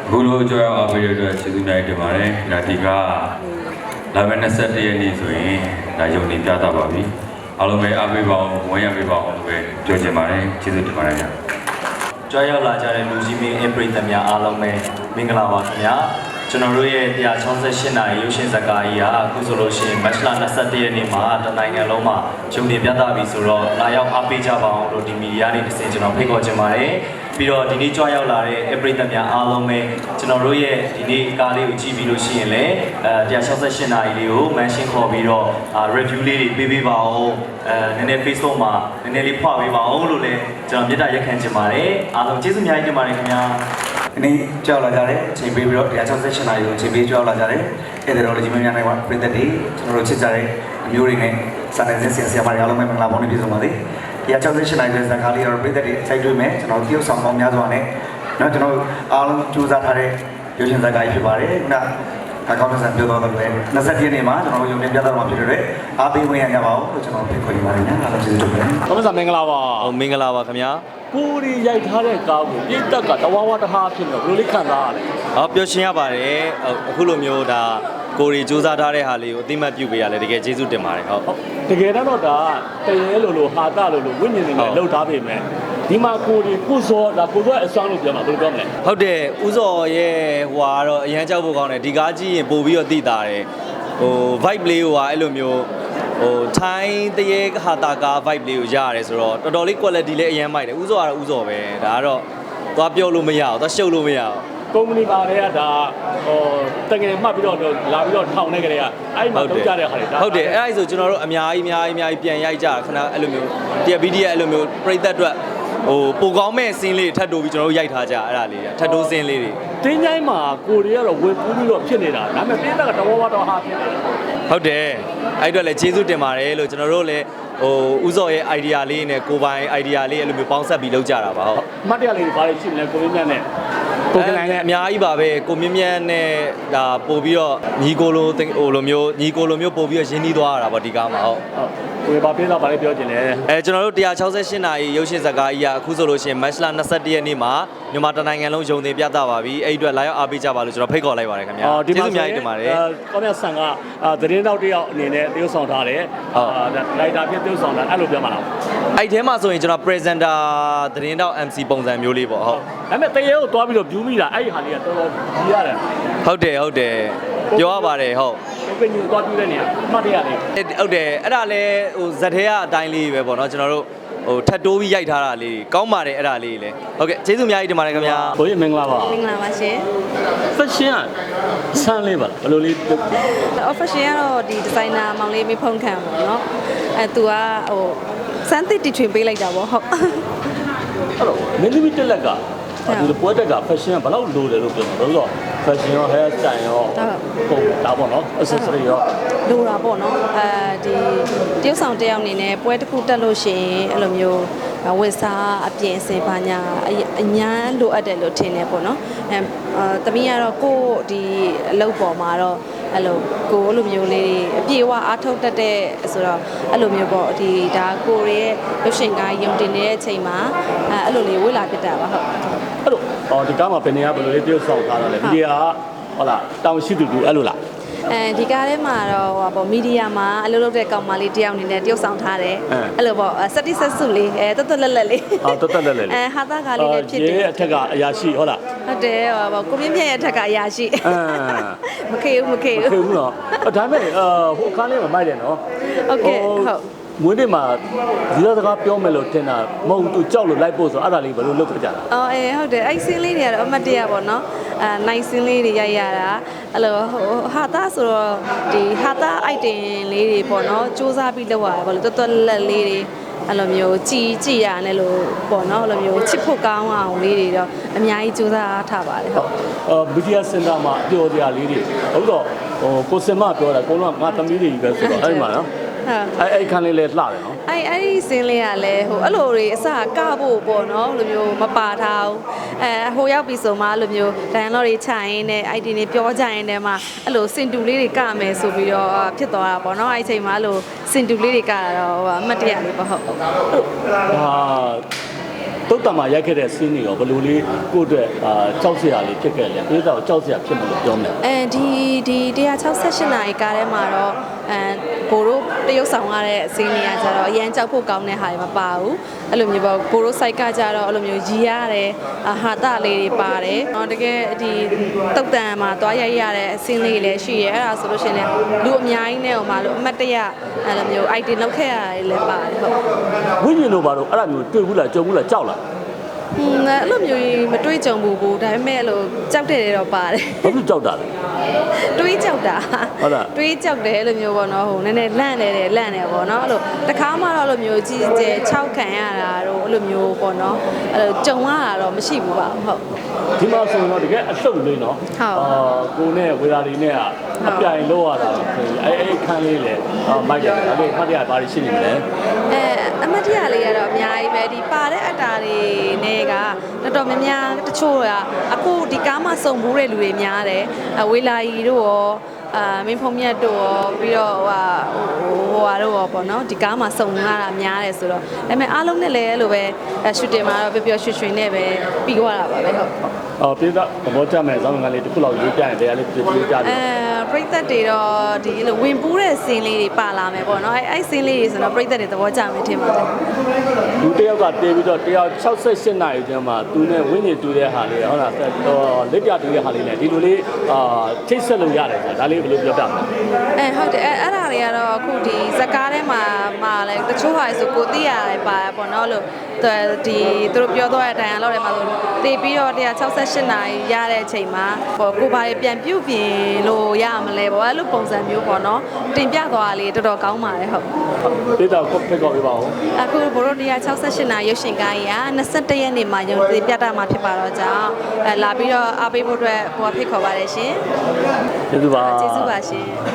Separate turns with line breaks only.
အခုလိုကြောက်အားပေးရတဲ့ကျေးဇူးများတင်ပါတယ်ဒါဒီကလာမယ့်21ရက်နေ့ဆိုရင်ဒါယုံနေပြသပါပြီအားလုံးပဲအားပေးပါအောင်ဝန်ရပေးပါအောင်လို့ပဲပြောချင်ပါတယ်ကျေးဇူးတင်ပါတယ်ခင်ဗျာ
ကြွားရောက်လာကြတဲ့လူကြီးမင်းအပရိသတ်များအားလုံးပဲမင်္ဂလာပါခင်ဗျာကျွန်တော်တို့ရဲ့168နာရီရုပ်ရှင်ဇာတ်ကားကြီးဟာအခုဆိုလို့ရှိရင်မတ်လ21ရက်နေ့မှာတနိုင်ငံလုံးမှာဂျုံတင်ပြသပြီဆိုတော့လာရောက်အားပေးကြပါအောင်လို့ဒီမီဒီယာနေတစ်ဆင့်ကျွန်တော်ဖိတ်ခေါ်ချင်ပါတယ်ပြီးတော့ဒီနေ့ကြွားရောက်လာတဲ့ပရိသတ်များအားလုံးပဲကျွန်တော်တို့ရဲ့ဒီနေ့ကားလေးကိုကြည့်ပြီးလို့ရှိရင်လည်း168နာရီလေးကို mention ခေါ်ပြီးတော့ review လေးတွေပေးပေးပါအောင်နည်းနည်း Facebook မှာနည်းနည်းလေးဖွပေးပါအောင်လို့လည်းကျွန်တော်မေတ္တာရက်ခံချင်ပါတယ်အားလုံးကျေးဇူးအများကြီးတင်ပါတယ်ခင်ဗျာ
ဒီနေ့ကြောက်လာကြတယ်ချိန်ပေးပြီးတော့168နာရီကိုချိန်ပေးကြောက်လာကြတယ်အဲ့ဒါတော့ဒီမများနိုင်ပါပြည်သက်တွေကျွန်တော်တို့ချစ်ကြတဲ့အမျိုးတွေနဲ့စာနယ်ဇင်းဆရာမတွေအားလုံးပဲမင်္ဂလာပေါင်းနဲ့ပြည့်စုံပါစေ168နာရီရဲ့ဇာတ်ကားလေးတော့ပြည်သက်တွေစိုက်တွေ့မယ်ကျွန်တော်တရုတ်ဆောင်ပေါင်းများစွာနဲ့เนาะကျွန်တော်အားလုံးကြိုးစားထားတဲ့ရုပ်ရှင်ဇာတ်ကားကြီးဖြစ်ပါတယ်ခုနအကောင့်ဆက်ပြောတော့တယ်20ရက်နေ့မှာကျွန်တော်တို့ရုံတင်ပြသမှာဖြစ်တဲ့အားပေးဝင်ရကြပါဦးလို့ကျွန်တော်ဖိတ်ခေါ်နေပါတယ်ညာအားလုံးကျေးဇူးတင်ပါတယ်
။သမစာမင်္ဂလာပါ
မင်္ဂလာပါခင်ဗျာ
။ကိုရီရိုက်ထားတဲ့ကားကိုပြိတက်ကတဝါဝါတဟာဖြစ်နေဘယ်လိုလေးခံစားရလဲ
။ပျော်ရွှင်ရပါတယ်အခုလိုမျိုးဒါကိုရီစူးစမ်းထားတဲ့ဟာလေးကိုအသိမှတ်ပြုပေးရလဲတကယ်ကျေးဇူးတင်ပါတယ်ဟုတ်
။တကယ်တော့ဒါတရေလိုဟာတလိုဝိညာဉ်တွေနဲ့လှုပ်ထားပေမဲ့ဒီမှာကိုရီကိုစောဒါကိုစောအစွမ်းလို့ပြောမှာဘယ်လိုပြောမလဲ
ဟုတ်တယ်ဥစော်ရဲ့ဟိုကတော့အရန်ကြောက်ဖို့ကောင်းတယ်ဒီကားကြည့်ရင်ပို့ပြီးတော့သိတာတယ်ဟို vibe လေးဟိုဟာအဲ့လိုမျိုးဟိုထိုင်းတရေဟာတာကာ vibe လေးကိုရရတယ်ဆိုတော့တော်တော်လေး quality လေးအရန်မိုက်တယ်ဥစော်ကတော့ဥစော်ပဲဒါကတော့သွားပြောလို့မရအောင်သွားရှုပ်လို့မရအောင်
ကုမ္ပဏီပါတွေကဒါဟိုတကယ်မှတ်ပြီးတော့လာပြီးတော့ထောင်နေကြတဲ့ကအဲ့မှာလုပ်ကြတဲ့ခါတွေဒါ
ဟုတ်တယ်အဲ့ဒါဆိုကျွန်တော်တို့အများကြီးပြန်ရိုက်ကြခဏအဲ့လိုမျိုးတရား BD အဲ့လိုမျိုးပြိသက်အတွက်ဟိုပိုကောင်းမဲ့စင်းလေးထပ်တိုးပြီးကျွန်တော်တို့ရိုက်ထားကြအဲ့ဒါလေးထပ်တိုးစင်းလေးတွေ
တင်းချိုင်းမှာကိုရီကတော့ဝေပူးပြီးတော့ဖြစ်နေတာဒါပေမဲ့ပြိတက်ကတဝါဝါတဟာဖြစ်နေတာ
ဟုတ်တယ်အဲ့အတွက်လည်းကျေးဇူးတင်ပါတယ်လို့ကျွန်တော်တို့လည်းဟိုဥစော်ရဲ့ idea လေးနဲ့ကိုပိုင် idea လေးအဲ့လိုမျိုးပေါင်းဆက်ပြီးလုပ်ကြတာပါဟုတ်
အမှတ်တရလေးတွေဘာတွေရှိမလဲကိုရင်းမြတ်နဲ့ကိုကလိုင်းနဲ့
အများကြီးပါပဲကိုမြင့်မြတ်နဲ့ဒါပို့ပြီးတော့ညီကိုလိုဟိုလိုမျိုးညီကိုလိုမျိုးပို့ပြီးတော့ရင်းနှီးသွားရတာပေါ့ဒီကားမှာဟုတ်
ကိုယ်ဘာပြေးတော့ဘာလေးပြောချင်လဲ
ကျွန်တော်တို့168နာရီရုပ်ရှင်ဇာတ်ကားကြီးကအခုဆိုလို့ရှိရင်မတ်လ21ရက်နေ့မှာမြန်မာတနိုင်ငံလုံးယုံတင်ပြသပါပြီအဲ့အတွက်လာရောက်အားပေးကြပါလို့ကျွန်တော်ဖိတ်ခေါ်လိုက်ပါတယ်ခင်ဗျာကျေးဇူးအများကြီးတင်ပါတယ်
ကောင်းမြတ်ဆန်ကသတင်းတောက်တယောက်အနေနဲ့တရုပ်ဆောင်ထားတယ်လိုက်တာဖြစ်တရုပ်ဆောင်တာအဲ့လိုပြောမှာလား
အဲ့ထဲမှာဆိုရင်ကျွန်တော် presenter သတင်းတောက် MC ပုံစံမျိုးလေးပေါ့ဟုတ်
ဒါပေမဲ့တရေကိုတွားပြီးတော့ view မိတာအဲ့ဒီဟာလေးကတော်တော်ကြီးရတယ်
ဟုတ်တယ်ပြောရပါတယ်ဟုတ်
ကိုကညူတွားပြတဲ့နေရာအမှတ်တရလေး
ဟုတ်တယ်အဲ့ဒါလဲဟိုဇက်ထဲကအတိုင်းလေးပဲပေါ့နော်ကျွန်တော်တို့ဟိုထပ်တိုးပြီးရိုက်ထားတာလေးကောင်းပါတယ်အဲ့ဒါလေးလေဟုတ်ကဲ့ကျေးဇူးအများကြီးတင်ပါတယ်ခင်ဗျာ
ဘိုးကြီးမင်္ဂလာပါ
မင်္ဂလာပါရှင်
fashion ဆန်းလေးပါဘယ်လိုလေး
official ကတော့ဒီ designer မောင်လေးမေဖုန်ခံပေါ့နော်သူကဟိုစမ်းသစ်တီထွင်ပေးလိုက်တာပေါ့ဟုတ်
အဲ့တော့မင်းသမီးတက်လက်ကဒီပွဲတက်က fashion ကဘယ်လောက်လိုတယ်လို့ပြောမှာလို့ဆိုတော့ fashion ရော hair style ရောပုံဒါပေါ့နော် accessory ရော
လိုတာပေါ့နော်ဒီတရုတ်ဆောင်တယောက်အနေနဲ့ပွဲတစ်ခုတက်လို့ရှိရင်အဲ့လိုမျိုးဝတ်စားအပြင်စင်ပါညာအញ្ញမ်းလိုအပ်တယ်လို့ထင်တယ်ပေါ့နော်သမီးကတော့ကို့ဒီအလုပ်ပေါ်မှာတော့အဲ့လိုကိုအဲ့လိုမျိုးလေးအပြေအဝအားထုတ်တတ်တဲ့ဆိုတော့အဲ့လိုမျိုးပေါ့ဒီဒါကိုရဲ့ရုပ်ရှင်ကားယုံတင်နေတဲ့အချိန်မှာအဲ့လိုလေးဝေးလာဖြစ်တာပါဟုတ်
အဲ့တော့ဒီကားမှာဘယ်နေရာဘယ်လိုလေးတရုပ်ဆောင်ထားတာလဲဒီကဟုတ်လားတောင်ရှိသူအဲ့လိုလား
ဒီကားထဲမှာတော့ဟိုပေါ့မီဒီယာမှာအလုပ်လုပ်တဲ့ကောင်မလေးတယောက်အနေနဲ့တရုပ်ဆောင်ထားတယ်အဲ့လိုပေါ့စက်တိဆက်စုလေးတက်တက်လက်လက်လေးဟာသားကားလေးလည်းဖြစ်တယ်
အထက်ကအရာရှိဟုတ်လား
ဟုတ်တယ်ဟိုပေါ့ကိုမြင့်မြတ်ရဲ့အထက်ကအရာရှိမခေဘူး
ခေဘူးနော်ဒါပေမဲ့ဟိုကားလေးမှာမိုက်တယ်နော်
ဟုတ်ကဲ့ဟုတ်
မွေးနေ့မှာဒီလိုစကားပြောမယ်လို့ထင်တာမဟုတ်သူကြောက်လို့လိုက်ဖို့ဆိုအဲ့ဒါလေးဘယ်လိုလုပ်ကြတာ
ဟုတ်တယ်အဲ့ဆင်းလေးတွေကတော့အမတ်တရပေါ့နော်နိုင်ဆင်းလေးတွေရိုက်ရတာအဲ့လိုဟာသားဆိုတော့ဒီဟာသား item လေးတွေပေါ့နော်စူးစမ်းပြီးလုပ်ရတာပေါ့လို့တော်တော်လက်လေးတွေအဲ့လိုမျိုးကြည်ရတယ်လို့ပေါ့နော်အဲ့လိုမျိုးချစ်ဖို့ကောင်းအောင်လေးတွေတော့အများကြီးစူးစမ်းထားပါတယ်ဟုတ်
ဘီဒီယာစင်တာမှာအပြောတရားလေးတွေဟုတ်တော့ဟိုကိုစင်မပြောတာကိုလုံးကငါသမီးတွေကြီးပဲဆိုတော့အဲ့မှာနော်အဲ့ခန်းလေးလဲလှတယ်နော်
အဲ့ဒီစင်းလေးကလည်းဟိုအဲ့လိုတွေအစကဖို့ပေါ့နော်လိုမျိုးမပါထားဘူးဟိုရောက်ပြီဆိုမှလိုမျိုးဒိုင်လော့တွေခြိုင်နေအဲ့ဒီနေပြောကြရင်တည်းမှာအဲ့လိုစင်တူလေးတွေကမယ်ဆိုပြီးတော့ဖြစ်သွားတာပေါ့နော်အဲ့ဒီအချိန်မှာအဲ့လိုစင်တူလေးတွေကတာတော့အမှတ်တရလေးပေါ့ဟုတ်
ဟာတုတ်တံမှာရိုက်ခဲ့တဲ့ scene တွေရောဘယ်လိုလေးကိုယ့်အတွက်ကြောက်စရာလေးဖြစ်ခဲ့လဲပြည်သားကိုကြောက်စရာဖြစ်မလို့ပြောမယ်
ဒီ168နာရီကားထဲမှာတော့ဘိုးတို့တရုတ်ဆောင်ရတဲ့အစင်းတွေကကြတော့အရန်ကြောက်ဖို့ကောင်းတဲ့ဟာတွေမပါဘူးအဲ့လိုမျိုးပေါ့ဘိုးတို့ site ကကြတော့အဲ့လိုမျိုးရီရတယ်ဟာတလေးတွေပါတယ်တကယ်ဒီတုတ်တန်မှာသွားရိုက်ရတဲ့အစင်းလေးတွေလည်းရှိရဲအဲ့ဒါဆိုလို့ရှိရင်လူအများကြီးနဲ့ဟိုမှာလို့အမတ်တရအဲ့လိုမျိုး item လောက်ခဲ့ရတယ်လည်းပါတယ်ဟုတ်
ဝိညာဉ်တို့ဘာလို့အဲ့ဒါမျိုးတွေ့ဘူးလားကြုံဘူးလားကြောက်လား
အဲ့လိုမျိုးမတွေးကြုံဘူးကိုဒါပေမဲ့အဲ့လိုကြောက်တယ်တော့ပါတယ်
ဘာလို့ကြောက်တာလဲ
တွေးကြောက်တာ
ဟုတ်လား
တွေးကြောက်တယ်အဲ့လိုမျိုးပေါ့နော်ဟိုနည်းနည်းလန့်နေတယ်ပေါ့နော်အဲ့လိုတခါမှတော့အဲ့လိုမျိုးကြီးကျယ်6ခံရတာတော့အဲ့လိုမျိုးပေါ့နော်အဲ့လိုကြုံရတာတော့မရှိဘူးပါဟုတ်
ဒီမှာဆိုတော့တကယ်အဆုတ်လေးနော်ကိုနဲ့ဝေရာတွေနဲ့အပြိုင်လောက်ရတာအဲ့ခန်းလေးလေမိုက်တယ်အဲ့ဒီဖတ်ရပါရှိနေတယ်
အမတ်တရလေးကတော့အများကြီးပဲဒီပါတဲ့အတားတွေနဲ့ကတော်တော်များများတချို့ကအခုဒီကားမှာစုံဘူးတဲ့လူတွေများတယ်ဝေလာကြီးတို့ရောမင်းဖုံမြတ်တို့ရောပြီးတော့ဟိုတို့ရောပေါ့နော်ဒီကားမှာစုံလာတာများတယ်ဆိုတော့ဒါပေမဲ့အားလုံးနဲ့လည်းအဲ့လိုပဲရှူတင်မှာတော့ပျော်ရွှင်ရွှင်နဲ့ပဲပြီးသွားတာပါပဲဟုတ်
ပြည်သားသဘောကျမယ်ဇောင်းငန်းလေးတစ်ခုလောက်ရေးပြရင်တရားလေးပြပြကြတယ်
ပရိသတ်တွေတော့ဒီလိုဝင်ပူးတဲ့စင်းလေးတွေပါလာမယ်ပေါ့နော်အဲ့စင်းလေးတွေဆိုတော့ပရိသတ်တွေသဘောကျမယ်ထင်ပါတယ်
လူတယောက်ကတေးပြီးတော့168နာရီကျမှသူနဲ့ဝင်းနေတူတဲ့ဟာလေးဟုတ်လားလက်ပြတူတဲ့ဟာလေးနဲ့ဒီလိုလေးချိတ်ဆက်လို့ရတယ်ဆိုတာဒါလေးဘယ်လိုပြောပြမ
လဲဟုတ်တယ်အဲ့ဒါတွေကတော့အခုဒီဇကားထဲမှာလဲတချို့ဟာဆိုကိုသိရတယ်ပါပေါ့နော်လို့ဒီသူတို့ပြောတော့တဲ့အတိုင်းအလောက်ထဲမှာဆိုတေးပြီးတော့168နာရီရတဲ့အချိန်မှာပေါ့ကိုဘာတွေပြန်ပြုတ်ပြင်လို့ရမလဲပေါ့အဲ့လိုပုံစံမျိုးပေါ့နော်တင်ပြသွားတာလေးတော်တော်ကောင်းပါတယ်ဟုတ်
ပြည်သားကိုဖိတ်ခေါ်ပေးပါဦး
အခုဘိုးတို့168နာရီရုပ်ရှင်ကားကြီးက21ရက်နေ့မှာရုံတင်ပြတာမှာဖြစ်ပါတော့ကြောင်းလာပြီးတော့အားပေးဖို့အတွက်ဟိုဖိတ်ခေါ်ပါတယ်ရှင်
ကျေးဇူးပါ
ကျေးဇူးပါရှင်